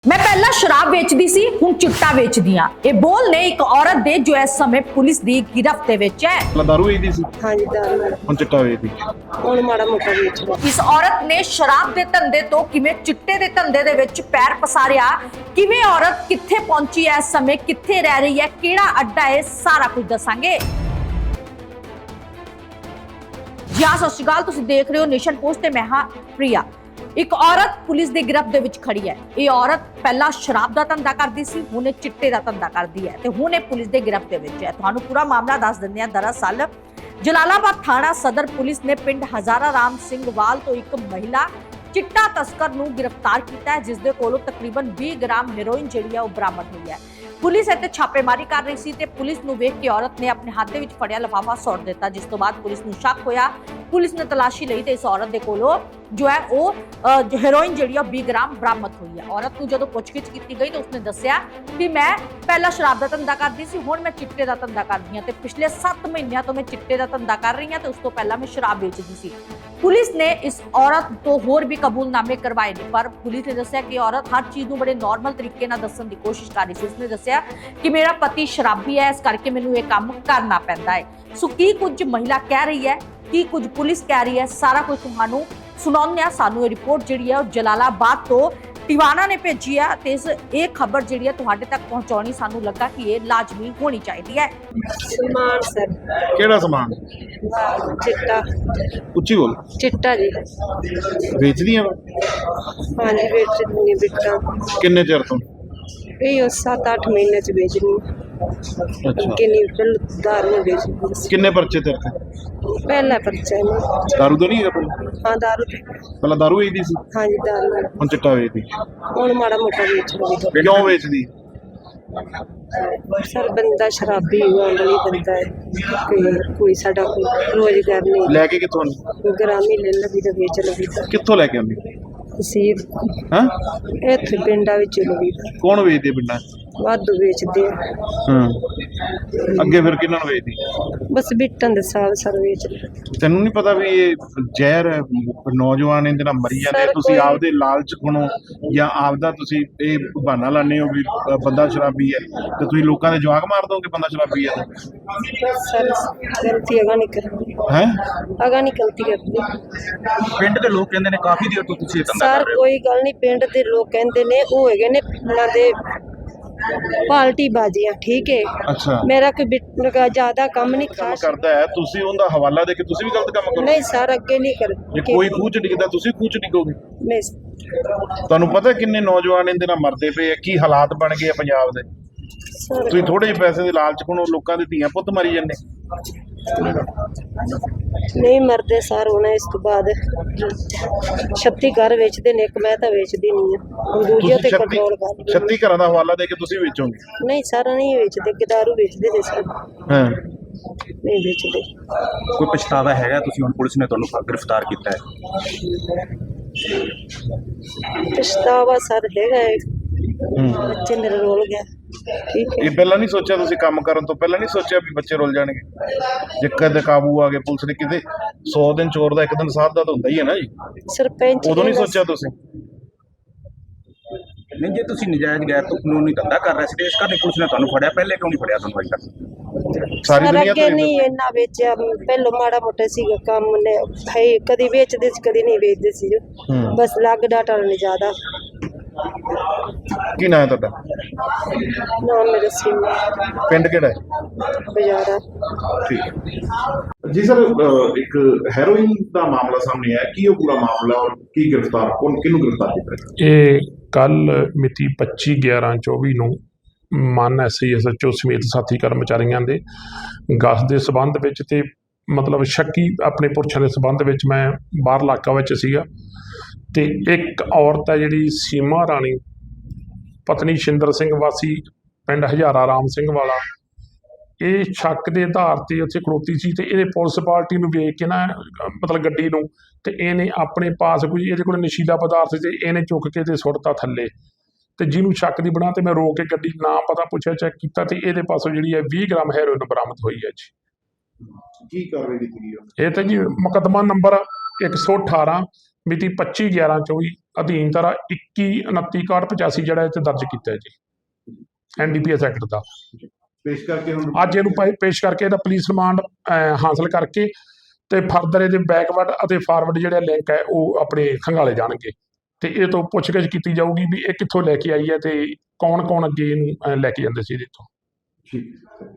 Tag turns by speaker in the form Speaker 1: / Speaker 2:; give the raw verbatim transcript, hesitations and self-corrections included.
Speaker 1: मैं पहला शराब वेचदी सी हुण चिट्टा वेचदी हां। ये बोल ने एक औरत दे जो इस समय पुलिस दी गिरफ्त दे विच है।
Speaker 2: ਪਹਿਲਾਂ ਦਾਰੂ ਵੇਚਦੀ ਸੀ
Speaker 3: हाँ जी दारू
Speaker 2: ਹੁਣ ਚਿੱਟਾ ਵੇਚਦੀ
Speaker 3: ਹੁਣ ਮਾੜਾ ਮੋਟਾ ਵੇਚ ਲਓ।
Speaker 1: इस औरत ने शराब दे धंधे तो किवें चिट्टे दे धंधे दे विच पैर पसारिया, किवें औरत कित्थे पहुंची है, इस समय कित्थे रह रही है, केड़ा अड्डा है, सारा कुछ दसांगे। जी हाँ, सत श्री अकाल, तुसीं देख रहे हो नेशन पोस्ट ते मैं हां प्रिया। एक औरत पुलिस दे गिरफ्त दे विच खड़ी है। ये औरत पहला शराब दा धंधा करदी सी, हुण ये चिट्टे दा धंधा करदी है ते हुण ये पुलिस दे गिरफ्त दे विच है। तुहानूं पूरा मामला दस दिंदे हां। दरअसल जलालाबाद थाना सदर पुलिस ने पिंड हजारा राम सिंह वाल तो एक महिला चिट्टा तस्कर नूं गिरफ्तार किया है, जिस दे कोलों तकरीबन बीस ग्राम हेरोइन जिहड़ी है वो बरामद हुई है। पुलिस इत्थे छापेमारी कर रही सी ते पुलिस नूं वेख के औरत ने अपने हाथ दे विच फड़िया लिफाफा सुੱਟ दिता, जिस तो बाद पुलिस नूं शक होया। पुलिस ने तलाशी लई ते इस औरत दे कोलों जो है वो हेरोइन जिहड़ी है बीस ग्राम बरामद हुई है। औरत नूं जदों पुछगिछ कीती गई तो उसने दस्सिया कि मैं पहला शराब दा धंधा करदी सी, हुण मैं चिट्टे दा धंधा करदी हां ते पिछले सत्त महीनों तो मैं चिट्टे दा धंधा कर रही हां ते उस तो पहला मैं शराब बेचदी सी। पुलिस ने इस औरत तो होर भी कबूलनामे करवाए ने, पर पुलिस ने दस्सिया कि औरत हर चीज़ नूं बड़े नॉर्मल तरीके नाल दस्सण दी कोशिश कर रही सी। उसने दस्सिया कि मेरा पति शराबी है, इस करके मैनूं ये काम करना पैंदा है। सो की कुछ महिला कह रही है, की कुछ पुलिस कह रही है, सारा कुछ तुहानूं सुणाउने आ। सानूं ये रिपोर्ट जिहड़ी है जलालाबाद तो टिवाना ने भेजी है ते इस ये खबर जिहड़ी है तुहाडे तक पहुंचाउणी सानूं लगा कि ये लाजमी होनी चाहिदी है।
Speaker 3: सलमान सर
Speaker 2: ਕਿਹੜਾ ਸਮਾਨ
Speaker 3: चिट्टा
Speaker 2: ਉੱਚੀ ਬੋਲ
Speaker 3: चिट्टा जी
Speaker 2: ਵੇਚਦੀਆਂ ਵਾ
Speaker 3: हाँ जी बेच दूंगी बिकता
Speaker 2: ਕਿੰਨੇ ਚਿਰ ਤੋਂ
Speaker 3: यही सात आठ महीने से बेचनी
Speaker 2: ਅੱਛਾ
Speaker 3: किन्नी फिर दारू में बेच दूंगी।
Speaker 2: ਕਿੰਨੇ ਪਰਚੇ ਤੇਰੇ ਤੇ?
Speaker 3: पहला पर्चा है मेरा।
Speaker 2: ਦਾਰੂ ਤਾਂ ਨਹੀਂ ਹੈਗਾ ਪਹਿਲਾਂ
Speaker 3: हाँ दारू
Speaker 2: ਪਹਿਲਾਂ ਦਾਰੂ ਵੇਚਦੀ ਸੀ
Speaker 3: हाँ जी दारू
Speaker 2: ਹੁਣ ਚਿੱਟਾ ਵੇਚਦੀ
Speaker 3: ਹੁਣ ਮਾੜਾ ਮੋਟਾ ਵੇਚ ਲਓ।
Speaker 2: ਕਿਉਂ ਵੇਚਦੀ
Speaker 3: सर बंदा शराबी हुआ वाली बंदा है, कोई कोई साडा कोई रोजगार नहीं,
Speaker 2: ਲੈ ਕੇ ਕਿੱਥੋਂ ਆਉਂਦੀ?
Speaker 3: ग्रामी ले लगी तो बेच लगी
Speaker 2: ਕਿੱਥੋਂ ਲੈ ਕੇ ਆਉਂਦੀ
Speaker 3: तसीर
Speaker 2: ਹਾਂ
Speaker 3: इत्थे पिंडा विच लगी
Speaker 2: ਕੌਣ ਵੇਚਦੇ ਪਿੰਡਾਂ 'ਚ?
Speaker 3: वाधू बेचते हैं।
Speaker 2: ਹਾਂ ਅੱਗੇ ਫਿਰ ਕਿਹਨਾਂ ਨੂੰ ਵੇਚਦੀ?
Speaker 3: बस बिटन दे साल सर बेच ले।
Speaker 2: ਤੈਨੂੰ ਨਹੀਂ ਪਤਾ ਵੀ ਇਹ ਜ਼ਹਿਰ ਹੈ, ਨੌਜਵਾਨ ਇਹਦੇ ਨਾਲ ਮਰੀ ਜਾਂਦੇ।
Speaker 3: ਸਰ,
Speaker 2: ਤੁਸੀਂ
Speaker 3: ਕੋਈ-
Speaker 2: ਆਪਦੇ ਲਾਲਚ ਖਣੋ ਜਾਂ ਆਪਦਾ ਤੁਸੀਂ ਇਹ ਬਹਾਨਾ ਲਾਉਂਦੇ ਹੋ ਵੀ ਅ, ਬੰਦਾ ਸ਼ਰਾਬੀ ਹੈ ਤੇ ਤੁਸੀਂ ਲੋਕਾਂ ਦੇ ਜਵਾਕ ਮਾਰ ਦੋਗੇ ਬੰਦਾ ਸ਼ਰਾਬੀ ਹੈ
Speaker 3: सर गलती अगा नहीं करनी,
Speaker 2: ਹੈ
Speaker 3: अगा नहीं गलती करनी।
Speaker 4: ਪਿੰਡ ਦੇ ਲੋਕ ਕਹਿੰਦੇ ਨੇ ਕਾਫੀ ਦੇਰ ਤੋਂ ਤੁਸੀਂ ਇਹ ਧੰਦਾ
Speaker 3: सर
Speaker 4: ਕਰ ਰਹੇ ਹੋ।
Speaker 3: कोई गल नहीं, पिंड दे लोग कहंदे ने ओ हैगे ने उन्हां दे पार्टी बाजियां, ठीक है।
Speaker 2: ਅੱਛਾ
Speaker 3: मेरा कोई बिट का ज्यादा काम नहीं
Speaker 2: ਕੰਮ
Speaker 3: खास
Speaker 2: ਕਰਦਾ ਹੈ, ਤੁਸੀਂ ਉਹਦਾ ਹਵਾਲਾ ਦੇ ਕੇ ਤੁਸੀਂ ਵੀ ਗਲਤ ਕੰਮ ਕਰੋ।
Speaker 3: नहीं सर अगे नहीं कर
Speaker 2: ਜੇ ਕੋਈ ਖੂਹ ਚ ਡਿੱਗਦਾ ਤੁਸੀਂ ਖੂਹ ਚ ਡਿੱਗੋਗੇ।
Speaker 3: नहीं
Speaker 2: ਤੁਹਾਨੂੰ ਪਤਾ ਕਿੰਨੇ ਨੌਜਵਾਨ ਇਹਦੇ ਨਾਲ ਮਰਦੇ ਪਏ ਆ, ਕੀ ਹਾਲਾਤ ਬਣ ਗਏ ਆ ਪੰਜਾਬ ਦੇ।
Speaker 3: सर
Speaker 2: ਤੁਸੀਂ ਥੋੜੇ ਜਿਹੇ ਪੈਸੇ ਦੇ ਲਾਲਚ ਖਣੋ ਲੋਕਾਂ ਦੇ ਧੀਆਂ ਪੁੱਤ ਮਰੀ ਜਾਂਦੇ।
Speaker 3: नहीं मरदे सर होना। इस तो बाद छत्ती घर बेचते ने, एक मैं तो बेचदी नहीं है, दूजे
Speaker 2: ਤੁਸੀਂ
Speaker 3: ते
Speaker 2: ਛੱਤੀ
Speaker 3: कंट्रोल कर।
Speaker 2: ਛੱਤੀ ਘਰਾਂ ਦਾ ਹਵਾਲਾ ਦੇ ਕੇ ਤੁਸੀਂ ਵੇਚੋਗੇ।
Speaker 3: नहीं सर नहीं बेचते, कि दारू बेचते थे सर,
Speaker 2: ਹਾਂ
Speaker 3: नहीं बेचते।
Speaker 4: ਕੋਈ ਪਛਤਾਵਾ ਹੈਗਾ? ਤੁਸੀਂ ਹੁਣ ਪੁਲਿਸ ਨੇ ਤੁਹਾਨੂੰ ਗ੍ਰਿਫਤਾਰ ਕੀਤਾ ਹੈ।
Speaker 3: पछतावा सर हैगा है,
Speaker 2: ਹੂੰ
Speaker 3: बच्चे मेरे रोल गया, ठीक है।
Speaker 2: ਇਹ ਪਹਿਲਾਂ ਨਹੀਂ ਸੋਚਿਆ ਤੁਸੀਂ ਕੰਮ ਕਰਨ ਤੋਂ ਪਹਿਲਾਂ ਨਹੀਂ ਸੋਚਿਆ ਵੀ ਬੱਚੇ ਰੁੱਲ ਜਾਣਗੇ? ਜੇ ਕਦੇ ਕਾਬੂ ਆ ਗਏ ਪੁਲਿਸ ਨੇ ਕਿਤੇ ਸੌ ਦਿਨ ਚੋਰ ਦਾ ਇੱਕ ਦਿਨ ਸਾਧ ਦਾ ਤਾਂ ਹੁੰਦਾ ਹੀ ਹੈ ਨਾ ਜੀ।
Speaker 3: सरपंच
Speaker 2: ਉਦੋਂ ਨਹੀਂ
Speaker 3: कहंदा
Speaker 2: ਸੋਚਿਆ ਤੁਸੀਂ?
Speaker 4: ਨਹੀਂ, ਜੇ ਤੁਸੀਂ ਨਜਾਇਜ਼ ਗੈਰ ਤੋਂ ਕਾਨੂੰਨੀ ਧੰਦਾ ਕਰ ਰਹੇ ਸੀ ਤੇ ਇਸ ਕਰਕੇ ਪੁਲਿਸ ਨੇ ਤੁਹਾਨੂੰ ਫੜਿਆ, ਪਹਿਲੇ ਕਿਉਂ ਨਹੀਂ ਫੜਿਆ ਤੁਹਾਨੂੰ ਅਜੇ ਤੱਕ?
Speaker 2: ਸਾਰੀ
Speaker 3: सर
Speaker 2: ਦੁਨੀਆ
Speaker 3: अगे
Speaker 2: ਤੋਂ
Speaker 3: नहीं इन्ना बेचा, पहलो माड़ा मोटा सी काम ने है, कदी बेचदे सी कदी नहीं बेचदे सी,
Speaker 2: हम्म।
Speaker 3: बस लग डाटा नहीं ज्यादा।
Speaker 2: ਕੀ ਨਾਂ ਹੈ ਤੁਹਾਡਾ?
Speaker 3: ना मेरे सिम
Speaker 2: ਪਿੰਡ ਕਿਹੜਾ ਹੈ?
Speaker 3: गुजारा।
Speaker 2: ਠੀਕ ਜੀ ਸਰ, ਇੱਕ ਹੈਰੋਇਨ ਦਾ ਮਾਮਲਾ ਸਾਹਮਣੇ ਆਇਆ, ਕੀ ਉਹ ਪੂਰਾ ਮਾਮਲਾ ਔਰ ਕੀ ਗ੍ਰਿਫਤਾਰ ਕੌਣ ਕਿਹਨੂੰ ਗ੍ਰਿਫਤਾਰ ਕੀਤਾ?
Speaker 5: ਇਹ ਕੱਲ ਮਿਤੀ ਪੱਚੀ ਗਿਆਰਾਂ ਚੌਵੀ ਨੂੰ ਮਾਨ ਐਸਆਈ ਐਸਐਚਓ ਸਮੇਤ ਸਾਥੀ ਕਰਮਚਾਰੀਆਂ ਦੇ ਗਸ਼ਤ ਦੇ ਸਬੰਧ ਵਿੱਚ ਤੇ ਮਤਲਬ ਸ਼ੱਕੀ ਆਪਣੇ ਪੁਰਸ਼ਾਂ ਦੇ ਸਬੰਧ ਵਿੱਚ ਮੈਂ ਬਾਹਰ ਇਲਾਕਾ ਵਿੱਚ ਸੀਗਾ ਤੇ ਇੱਕ ਔਰਤ ਹੈ ਜਿਹੜੀ ਸੀਮਾ ਰਾਣੀ ਪਤਨੀ ਸ਼ਿੰਦਰ ਸਿੰਘ ਵਾਸੀ ਪਿੰਡ ਹਜ਼ਾਰਾ ਰਾਮ ਸਿੰਘ ਵਾਲਾ, ਇਹ ਸ਼ੱਕ ਦੇ ਆਧਾਰ ਤੇ ਉੱਥੇ ਖੜੋਤੀ ਸੀ ਤੇ ਇਹਨੇ ਪੁਲਿਸ ਪਾਰਟੀ ਨੂੰ ਵੇਖ ਕੇ ਨਾ ਮਤਲਬ ਗੱਡੀ ਨੂੰ ਤੇ ਇਹਨੇ ਆਪਣੇ ਪਾਸ ਕੋਈ ਇਹਦੇ ਕੋਲ ਨਸ਼ੀਲਾ ਪਦਾਰਥ ਤੇ ਇਹਨੇ ਚੁੱਕ ਕੇ ਤੇ ਸੁੱਟਤਾ ਥੱਲੇ ਤੇ ਜਿਹਨੂੰ ਸ਼ੱਕ ਦੀ ਬਣਾ ਤੇ ਮੈਂ ਰੋਕ ਕੇ ਗੱਡੀ ਨਾ ਪਤਾ ਪੁੱਛਿਆ ਚੈੱਕ ਕੀਤਾ ਤੇ ਇਹਦੇ ਪਾਸੋਂ ਜਿਹੜੀ ਹੈ ਵੀਹ ਗ੍ਰਾਮ ਹੈਰੋਇਨ ਬਰਾਮਦ ਹੋਈ ਹੈ ਜੀ।
Speaker 2: ਕੀ ਕਾਰਵਾਈ ਕੀਤੀ ਗਈ?
Speaker 5: ਇਹ ਤਾਂ ਜੀ ਮੁਕੱਦਮਾ ਨੰਬਰ ਇੱਕ ਸੌ ਅਠਾਰਾਂ ਮਿਤੀ ਪੱਚੀ ਗਿਆਰਾਂ ਚੌਵੀ ਅਧੀਨ ਧਾਰਾ ਇੱਕੀ ਉਨੱਤੀ ਇਕਾਹਠ ਪਚਾਸੀ ਜਿਹੜਾ ਇਹ 'ਚ ਦਰਜ ਕੀਤਾ ਹੈ ਜੀ N D P S act ਦਾ।
Speaker 2: ਪੇਸ਼ ਕਰਕੇ ਹੁਣ
Speaker 5: ਅੱਜ ਇਹਨੂੰ ਪੇ- ਪੇਸ਼ ਕਰਕੇ ਇਹਦਾ ਪੁਲਿਸ ਰਿਮਾਂਡ ਅਹ, ਹਾਸਲ ਕਰਕੇ ਤੇ ਫਰਦਰ ਇਹਦੇ ਬੈਕਵਰਡ ਅਤੇ ਫਾਰਵਰਡ ਜਿਹੜੇ ਲਿੰਕ ਹੈ ਉਹ ਆਪਣੇ ਖੰਗਾਲੇ ਜਾਣਗੇ ਤੇ ਇਹ ਤੋਂ ਪੁੱਛਗਿੱਛ ਕੀਤੀ ਜਾਊਗੀ ਵੀ ਇਹ ਕਿੱਥੋਂ ਲੈ ਕੇ ਆਈ ਹੈ ਤੇ ਕੌਣ ਕੌਣ ਅੱਗੇ ਇਹਨੂੰ ਅਹ, ਲੈ ਕੇ ਜਾਂਦੇ ਸੀ ਇਹਦੇ ਤੋਂ।
Speaker 2: ਠੀਕ